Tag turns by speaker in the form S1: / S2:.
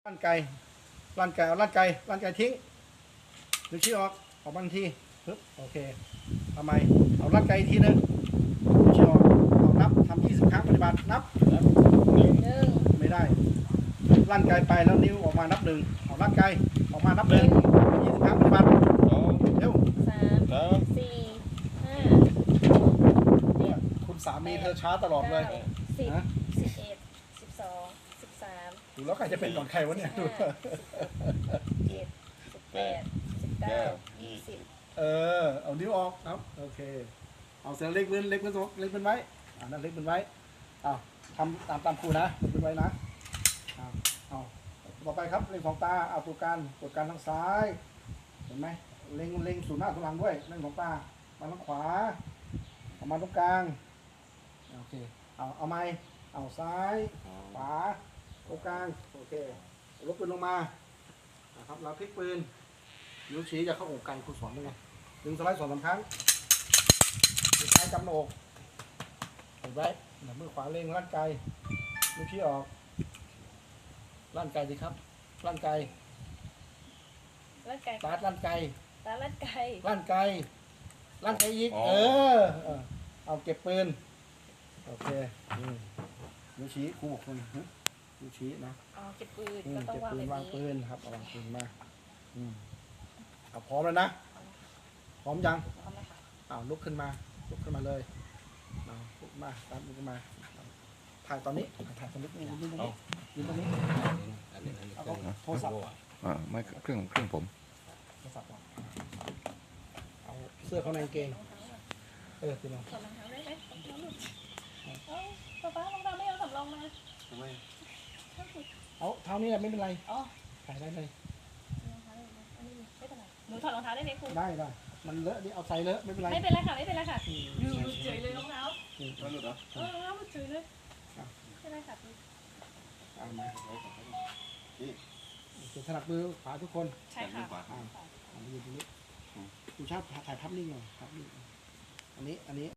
S1: ลั่นไก่เอาลั่นไก่ทิ้งดึงชี้ออกบางทีปึ๊บโอเคทำไมเอาลั่นไก่อีกทีนึงดึงชี้ออกเอานับทำ20 ครั้งปฏิบัตินับ
S2: 1
S1: ไม่ได้ลั่นไก่ไปแล้วนิ้วออกมานับหนึ่งเอาลั่นไก่ออกมานับหนึ่ง20 ครั้งปฏิบัติเร็ว
S2: 3 4
S1: เนี่ยคุณสามีเธอช้าตลอดเลย
S2: 5 10
S1: นะ
S2: 11 12 13
S1: ดูแล้วใครจะเป็นก่อนใครวะเนี่ยดู
S2: 17 18 19 20
S1: เอานิ้วออกครับโอเคเอาเสียงเล็กเป็นไว้นั่นเล็กเป็นไว้เอาทำตามครูนะเล็กเป็นไว้นะเอาต่อไปครับเล็งของตาเอาตัวการทางซ้ายเห็นไหมเล็งสู่หน้าสู่หลังด้วยเล็งของตามาทางขวาเอามาตรงกลางโอเคเอาไม้เอาซ้ายขวาตรงกลางโอเคลบปืนลงมาครับเราพลิกปืนนิ้วชี้จะเข้าอกไก่ครูสอนด้วยไงดึงสไลด์2-3 ครั้งมือซ้ายกำหน้าอกเห็นไหมมือขวาเล็งลั่นไกนิ้วชี้ออกลั่นไกสิครับลั่นไก
S2: ลั่นไก่
S1: ตาลั่นไก
S2: ลั่นไก่
S1: ลั่นไกอีกเอาเก็บปืนโอเคนิ้วชี้ครูบอกคนนิ้วชี้นะ
S2: เก็บปืนก็ต้อง
S1: เก็บ
S2: วาง
S1: ปื
S2: แบ
S1: น
S2: บ
S1: วางปื
S2: นี้
S1: นครับวางปืนมาเอาพร้อมแล้วนะพร้อมยัง
S2: พร้อมแล้วค่ะ
S1: ลุกขึ้นมาเลยลุกมาตามลุกขึ้นมาถ่ายตอนนี้ถ่ายตอนนี้ยืนตรงนี้เอาโทรศัพท์
S3: ไม่เครื่องผม
S1: โทรศัพท์เอาเสื้อเขาในกางเกงตีน้อง
S2: ถอดรองเท้าได้ไหมรองเท้าหลุดป๊ารองเท้าไม่เอาสำรองมา
S1: เอาเท้านี้แหละไม่เป็นไร
S2: อ๋อ
S1: ถ่ายได้เลย
S2: รองเท้าอันนี้ไม่เป็นไรหนูถอดรองเท้าได้ไหมครู
S1: ได้มันเลอะดิเอาใส่เลอะไม่เป็นไร
S2: ไม่เป็นไรค่ะไม่เป็นไรค่ะหลุดเฉยเลยรองเท้ารองเท้าหลุดเฉยเลยไม่เป็นไรค่ะ
S1: มาถนัดมือขวาทุกคน
S2: ใช่ค่ะ
S1: ยืนตรงนี้ดูชาติถ่ายภาพนิ่งหน่อยภาพนิ่งอันนี้